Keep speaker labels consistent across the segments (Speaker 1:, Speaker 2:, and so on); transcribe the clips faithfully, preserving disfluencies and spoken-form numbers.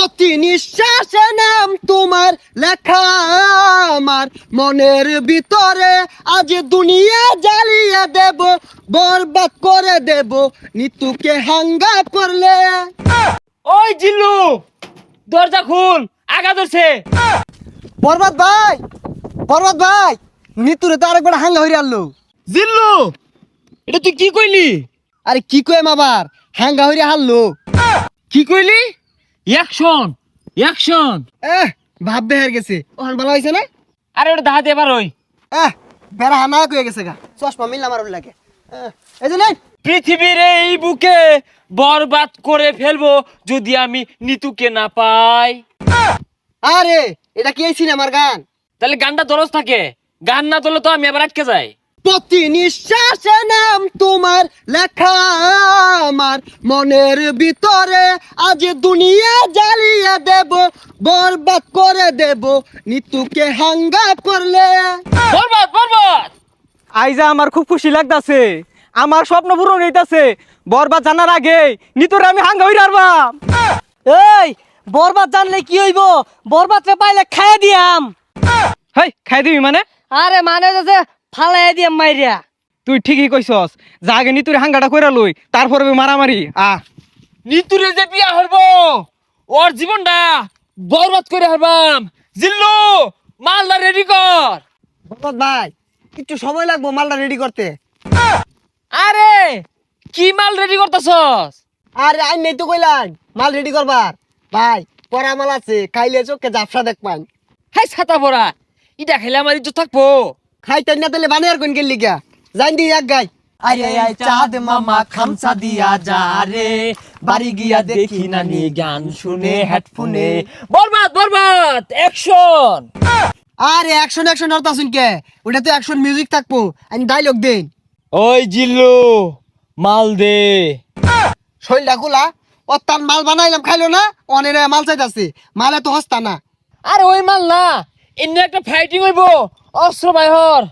Speaker 1: প্রতি নিঃশ্বাসে নাম তোমার লেখা আমার মনের ভিতরে, আজ দুনিয়া জ্বালিয়ে দেব, বরবাদ করে দেব নিতুকে হাঙ্গা করলে।
Speaker 2: ওই জিল্লু, দরজা খুল, আগা ধরছে।
Speaker 1: বরবাদ ভাই, বরবাদ ভাই, নিতুরে তো আরেকবার হাঙ্গা হইরে আনলো।
Speaker 2: জিল্লু, এটা তুই কি কইলি?
Speaker 1: আরে কি কইম আবার, হাঙ্গা হইরে হারলো।
Speaker 2: কি কইলি? Action, action.
Speaker 1: এহ ভাব বেহার গেছে, ওখান ভালো হয়েছে না?
Speaker 2: আরে ওটা দাহাতে এবার ওই
Speaker 1: এহ বেড়া হানা কয়ে গেছে গা, চশমা মিললাম আর লাগে। এহ, এই যে নেই।
Speaker 2: পৃথিবীর এই বুকে বরবাদ করে ফেলবো যদি আমি নিতুকে না পাই।
Speaker 1: আরে এটা কি এই সিনেমার গান?
Speaker 2: তাহলে গানটা দরজ থাকে, গান না তোলে তো আমি আবার আটকে যাই।
Speaker 1: প্রতি নিঃশ্বাসে নাম তোমার লেখা আমার মনের ভিতরে, আজ দুনিয়া জ্বালিয়ে দেব, বরবাদ করে দেব নিতুকে হাঙ্গা করলে।
Speaker 2: বরবাদ, বরবাদ।
Speaker 3: আইজা আমার খুব খুশি লাগতাছে, আমার স্বপ্ন পূরণ হইতাছে। বরবাদ জানার আগে নিতরে আমি হাঙ্গা হইরা আরবাম।
Speaker 4: এই বরবাদ জানলে কি হইব? বরবাদ রে পাইলে খাইয়া দিয়াম।
Speaker 3: হেই খাই দিবি মানে?
Speaker 4: আরে মানে যে ফালাই দিয়াম মাইরিয়া।
Speaker 3: তুই ঠিকই কইছস, যা আগে নিতুরে হাঙ্গাটা কইরা লই, তারপরে মারামারি। আ
Speaker 2: নিতুরে যে বিয়া হইব, ওর জীবনটা বরবাদ করে হারবাম। জিল্লু, মালদা রেডি কর।
Speaker 1: বরবাদ ভাই একটু সময় লাগবো মালটা রেডি করতে।
Speaker 2: আরে কি মাল রেডি করতেছস?
Speaker 1: আরে আই নেই তো কইলাম মাল রেডি করবার। ভাই পরা মাল আছে, খাইলে চোখে জাফসা দেখবান।
Speaker 2: হাই ছাতা পড়া, ইটা খেলে আমার ইজ্জত থাকবো।
Speaker 1: খাইতেন না তাহলে বানিয়ার কোন গেলি গা, জান দি এক গাই।
Speaker 5: আরে আয় চাঁদ মামা খামসা দিয়া যা রে, বাড়ি গিয়া দেখি নানি গান শুনে হেডফোনে।
Speaker 2: বরবাদ, বরবাদ, অ্যাকশন।
Speaker 1: আরে অ্যাকশন অ্যাকশন আর তাসুন কে, ওটা তো অ্যাকশন মিউজিক থাকবো, আমি ডায়লগ দেন।
Speaker 2: ওই জিল্লু, মাল দে।
Speaker 1: শৈলটা খোলা, ও তার মাল বানাইলাম খাইলো না, অনেক মাল চাইতাছে, মালে তো হস্তা না।
Speaker 2: আরে ওই মাল না, এমনি একটা ফাইটিং হইব, অস্ত্র বাইহর।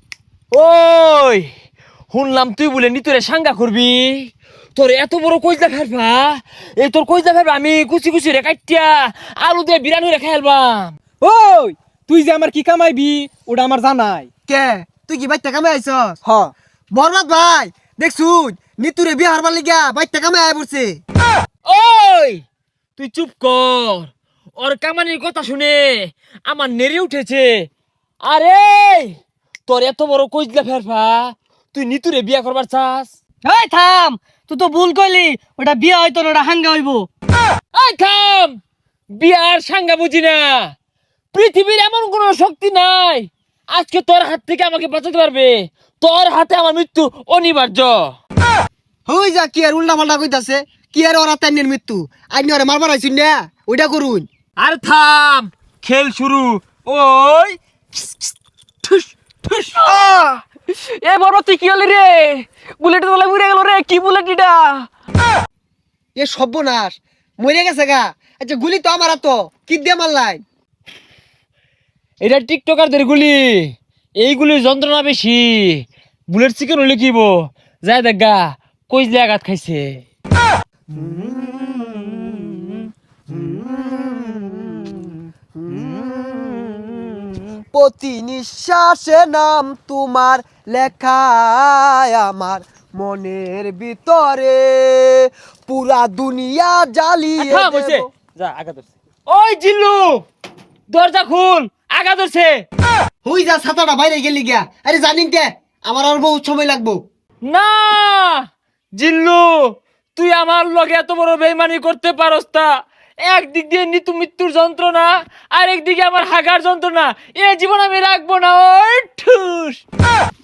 Speaker 2: ওই শুনলাম তুই বলে নিতরে সাঙ্গা করবি, তোর এত বড় কইজা ফেলবা, এই তোর কইজা ফেলবা আমি কুচি কুচি রে কাটিয়া আলু দিয়ে বিরানি রে খাইলবাম।
Speaker 3: ওই তুই যে আমার কি কামাইবি ওটা আমার জানাই।
Speaker 1: কে তুই কি বাইতে কামে আইছস?
Speaker 3: হ
Speaker 1: বরবাদ ভাই দেখছুন নিতুরে বিয়ে হারবার লিগা বাইতে কামে আয় পড়ছে।
Speaker 2: ওই তুই চুপ কর, ওর কামানির কথা শুনে আমার নেড়ে উঠেছে। আরে তোর এত বড় কইজলা ফেরফা, তুই নিতুরে বিয়া করবার চাস?
Speaker 4: এই থাম, তুই তো ভুল কইলি, ওটা বিয়া হইতো না, ওটা হাঙ্গা হইব।
Speaker 2: এই থাম, বিয়ার সাঙ্গা বুঝি না। পৃথিবীর এমন কোন শক্তি নাই আজকে তোর হাত থেকে আমাকে বাঁচাতে পারবে। তোর হাতে আমার মৃত্যু অনিবার্য।
Speaker 1: হই যা কি আর উল্টা পাল্টা কইতাছে, কি আর ওরা তাইনের মৃত্যু, আইনি ওরে মারবার আইছুন না, ওইটা করুন।
Speaker 2: আর থাম, খেল শুরু। ওই ঠুস ঠুস।
Speaker 3: এ বরবাদ তুই কি হলি রে? বুলেট তোলা উড়ে গেল রে, কি বুলেট এটা?
Speaker 1: এ সর্বনাশ, মরে গেছে গা। আচ্ছা গুলি তো আমার তো কি দিয়ে মারলাই?
Speaker 2: এটা টিকটকারদের গুলি, এইগুলির যন্ত্রণা বেশি। বুলেট চিকেন হলে কিব যায় দেখা কইজলে আঘাত খাইছে।
Speaker 1: প্রতি নিঃশ্বাসে নাম তোমার লেখা আমার মনের ভিতরে, পুরা দুনিয়া জ্বালিয়ে
Speaker 2: থাম হইছে,
Speaker 1: দেব।
Speaker 2: যা আঘাত ধরছে। ওই জিল্লু, দরজা খুল, আঘাত ধরছে।
Speaker 1: হই যা ছাতাটা বাইরে গেলি গিয়া। আরে জানিন কে আমার আর বহুত সময় লাগবো।
Speaker 2: না জিল্লু, তুই আমার লগে এত বড় বেইমানি করতে পারস না। একদিক দিয়ে নিতু মৃত্যুর যন্ত্রণা, আর একদিকে আমার হাগার যন্ত্রণা, এ জীবন আমি রাখবো না। ওই ঠুস।